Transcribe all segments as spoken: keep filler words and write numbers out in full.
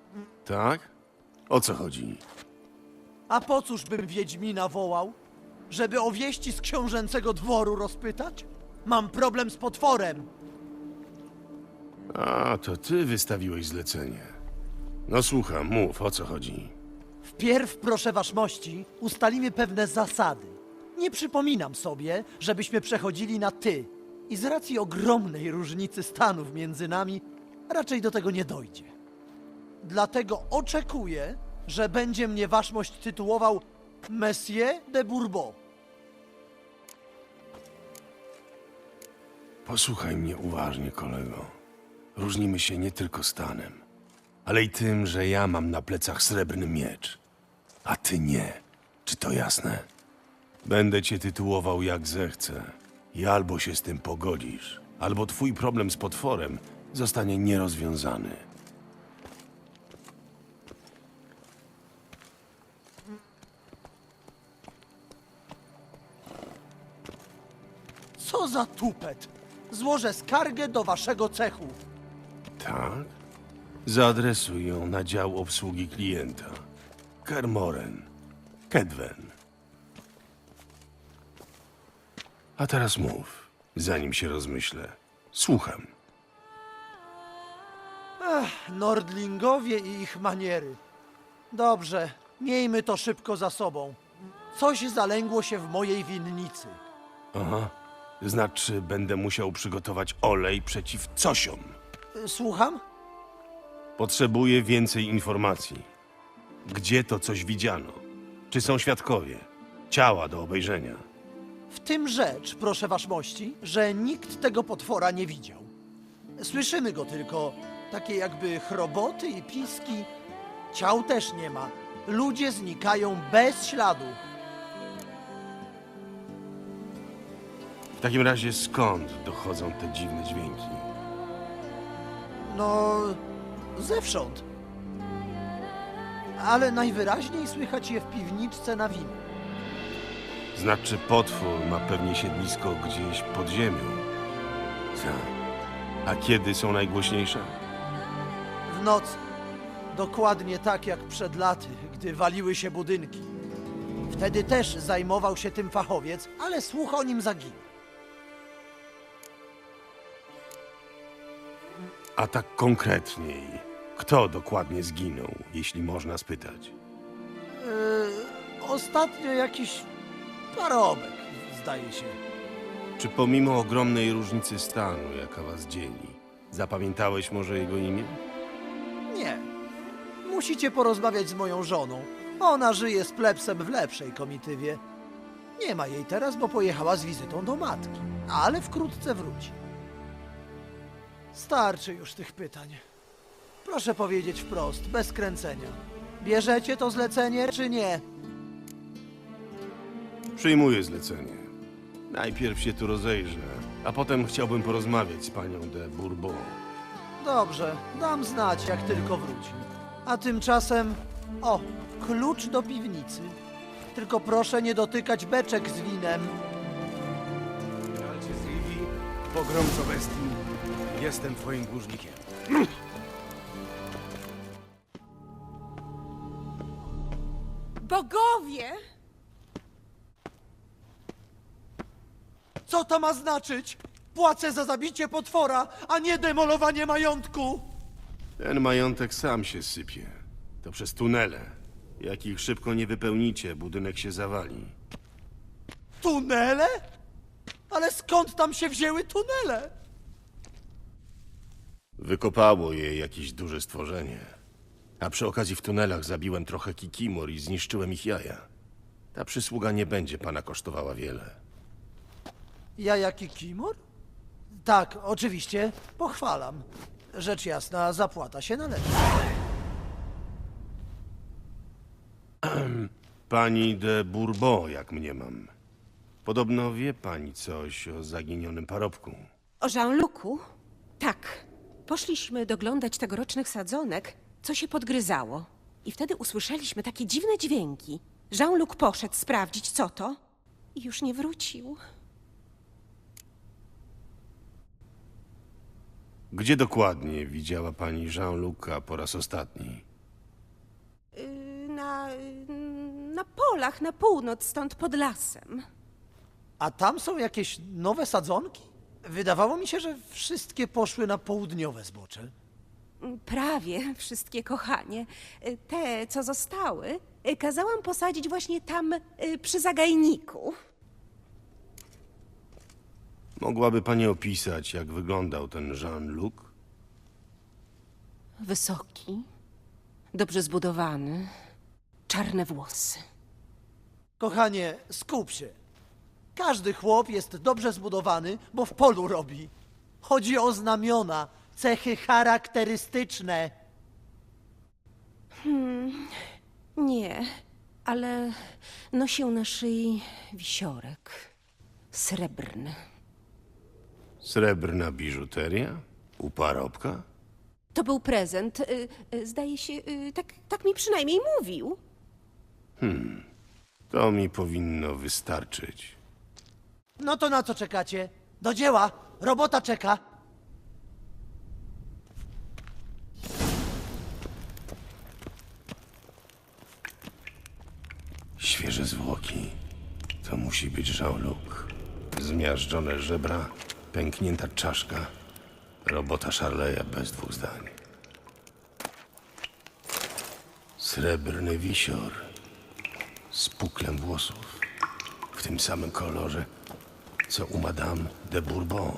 Tak? O co chodzi? A po cóż bym Wiedźmina wołał? Żeby o wieści z książęcego dworu rozpytać? Mam problem z potworem. A, to ty wystawiłeś zlecenie. No słucham, mów, o co chodzi. Wpierw, proszę waszmości, ustalimy pewne zasady. Nie przypominam sobie, żebyśmy przechodzili na ty. I z racji ogromnej różnicy stanów między nami, raczej do tego nie dojdzie. Dlatego oczekuję, że będzie mnie waszmość tytułował Monsieur de Bourbon. Posłuchaj mnie uważnie, kolego. Różnimy się nie tylko stanem, ale i tym, że ja mam na plecach srebrny miecz, a ty nie. Czy to jasne? Będę cię tytułował jak zechcę i albo się z tym pogodzisz, albo twój problem z potworem zostanie nierozwiązany. Co za tupet! Złożę skargę do waszego cechu. Tak? Zaadresuj ją na dział obsługi klienta. Kermoren. Kedwen. A teraz mów, zanim się rozmyślę. Słucham. Nordlingowie i ich maniery. Dobrze, miejmy to szybko za sobą. Coś zalęgło się w mojej winnicy. Aha. Znaczy, będę musiał przygotować olej przeciw cosiom. Y, Słucham? Potrzebuję więcej informacji. Gdzie to coś widziano? Czy są świadkowie? Ciała do obejrzenia. W tym rzecz, proszę waszmości, że nikt tego potwora nie widział. Słyszymy go tylko, takie jakby chroboty i piski. Ciał też nie ma. Ludzie znikają bez śladu. W takim razie skąd dochodzą te dziwne dźwięki? No, zewsząd. Ale najwyraźniej słychać je w piwniczce na winie. Znaczy potwór ma pewnie siedlisko gdzieś pod ziemią. Co? A kiedy są najgłośniejsze? W nocy. Dokładnie tak jak przed laty, gdy waliły się budynki. Wtedy też zajmował się tym fachowiec, ale słuch o nim zaginął. A tak konkretniej, kto dokładnie zginął, jeśli można spytać? Yy, ostatnio jakiś parobek, zdaje się. Czy pomimo ogromnej różnicy stanu, jaka was dzieli, zapamiętałeś może jego imię? Nie. Musicie porozmawiać z moją żoną. Ona żyje z plebsem w lepszej komitywie. Nie ma jej teraz, bo pojechała z wizytą do matki, ale wkrótce wróci. Starczy już tych pytań. Proszę powiedzieć wprost, bez kręcenia. Bierzecie to zlecenie, czy nie? Przyjmuję zlecenie. Najpierw się tu rozejrzę, a potem chciałbym porozmawiać z panią de Bourbon. Dobrze, dam znać, jak tylko wróci. A tymczasem... O, klucz do piwnicy. Tylko proszę nie dotykać beczek z winem. Walcie z Rivi, pogromco bestii. Jestem twoim dłużnikiem. Bogowie! Co to ma znaczyć? Płacę za zabicie potwora, a nie demolowanie majątku! Ten majątek sam się sypie. To przez tunele. Jak ich szybko nie wypełnicie, budynek się zawali. Tunele? Ale skąd tam się wzięły tunele? Wykopało je jakieś duże stworzenie. A przy okazji w tunelach zabiłem trochę kikimor i zniszczyłem ich jaja. Ta przysługa nie będzie pana kosztowała wiele. Ja jaki kimor? Tak, oczywiście, pochwalam. Rzecz jasna, zapłata się należy. Pani de Bourbon, jak mnie mam. Podobno wie pani coś o zaginionym parobku. O Jean-Lucu? Tak. Poszliśmy doglądać tegorocznych sadzonek, co się podgryzało. I wtedy usłyszeliśmy takie dziwne dźwięki. Jean-Luc poszedł sprawdzić, co to, i już nie wrócił. Gdzie dokładnie widziała pani Jean-Luca po raz ostatni? na polach na północ stąd pod lasem. A tam są jakieś nowe sadzonki? Wydawało mi się, że wszystkie poszły na południowe zbocze. Prawie wszystkie, kochanie. Te, co zostały, kazałam posadzić właśnie tam y, przy zagajniku. Mogłaby pani opisać, jak wyglądał ten Jean-Luc? Wysoki, dobrze zbudowany, czarne włosy. Kochanie, skup się. Każdy chłop jest dobrze zbudowany, bo w polu robi. Chodzi o znamiona, cechy charakterystyczne. Nie, ale nosił na szyi wisiorek srebrny. Srebrna biżuteria? U parobka? To był prezent. y, y, Zdaje się, y, tak, tak mi przynajmniej mówił. To mi powinno wystarczyć. No to na co czekacie? Do dzieła! Robota czeka! Świeże zwłoki. To musi być Jean-Luc. Zmiażdżone żebra, pęknięta czaszka. Robota Charleya bez dwóch zdań. Srebrny wisior. Z puklem włosów. W tym samym kolorze, co u Madame de Bourbon.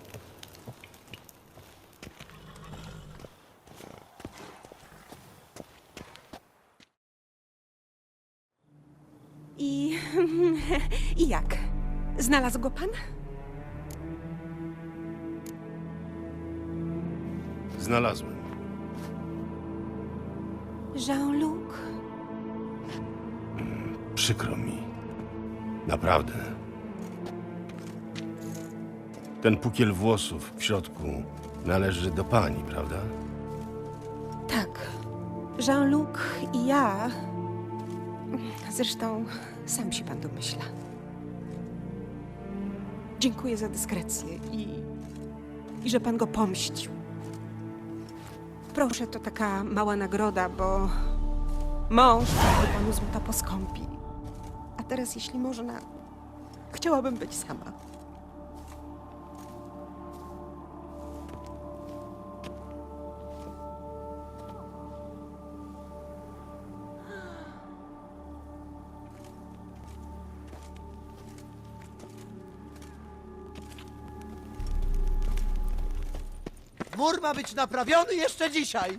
I, I jak? Znalazł go pan? Znalazłem. Jean-Luc? Przykro mi. Naprawdę. Ten pukiel włosów w środku należy do pani, prawda? Tak. Jean-Luc i ja. Zresztą sam się pan domyśla. Dziękuję za dyskrecję i, i że pan go pomścił. Proszę, to taka mała nagroda, bo mąż dał panu złota poskąpi. A teraz, jeśli można, chciałabym być sama. Mur ma być naprawiony jeszcze dzisiaj!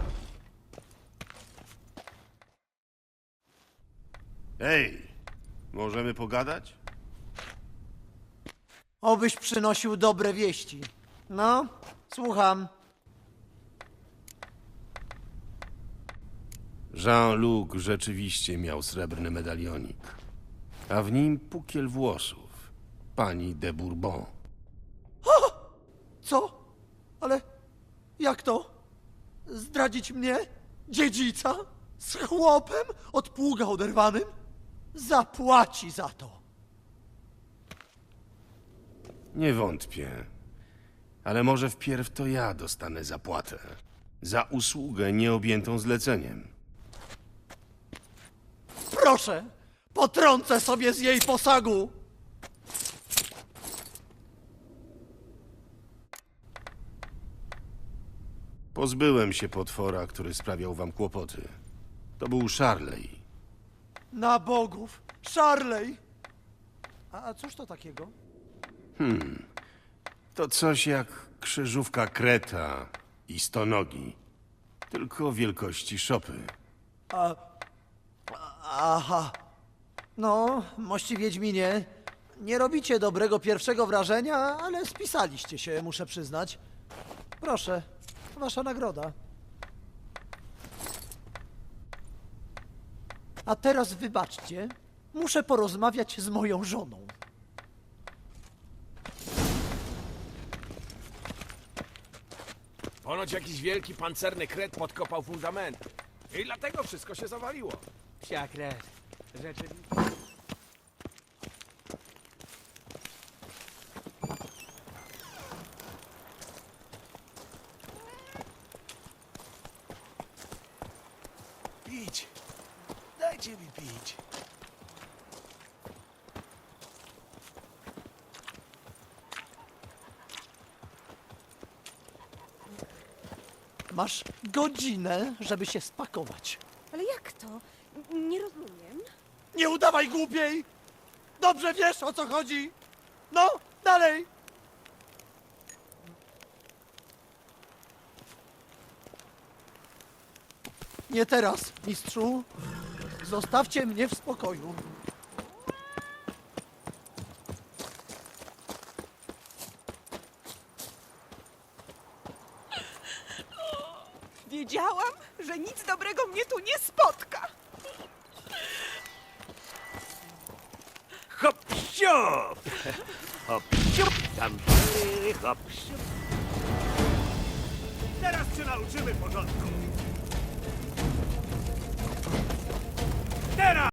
Ej, możemy pogadać? Obyś przynosił dobre wieści. No, słucham. Jean-Luc rzeczywiście miał srebrny medalionik, a w nim pukiel włosów pani de Bourbon. Co? Ale jak to? Zdradzić mnie? Dziedzica? Z chłopem? Od pługa oderwanym? Zapłaci za to. Nie wątpię, ale może wpierw to ja dostanę zapłatę za usługę nieobjętą zleceniem. Proszę, potrącę sobie z jej posagu. Pozbyłem się potwora, który sprawiał wam kłopoty. To był Charley. Na bogów. Charley. A, a cóż to takiego? To coś jak krzyżówka kreta i stonogi, tylko wielkości szopy. Aha. No, mości Wiedźminie, nie robicie dobrego pierwszego wrażenia, ale spisaliście się, muszę przyznać. Proszę, wasza nagroda. A teraz wybaczcie, muszę porozmawiać z moją żoną. Ponoć jakiś wielki pancerny kret podkopał fundamenty. I dlatego wszystko się zawaliło. Psia krew. Rzeczywiście. Idź. Dajcie Dajcie mi pić. Masz godzinę, żeby się spakować. Ale jak to? N- Nie rozumiem. Nie udawaj głupiej! Dobrze wiesz, o co chodzi! No, dalej! Nie teraz, mistrzu. Zostawcie mnie w spokoju. Wiedziałam, że nic dobrego mnie tu nie spotka. Hop, siup! Hop, siup! Tam, hop, siup! Teraz cię nauczymy porządku.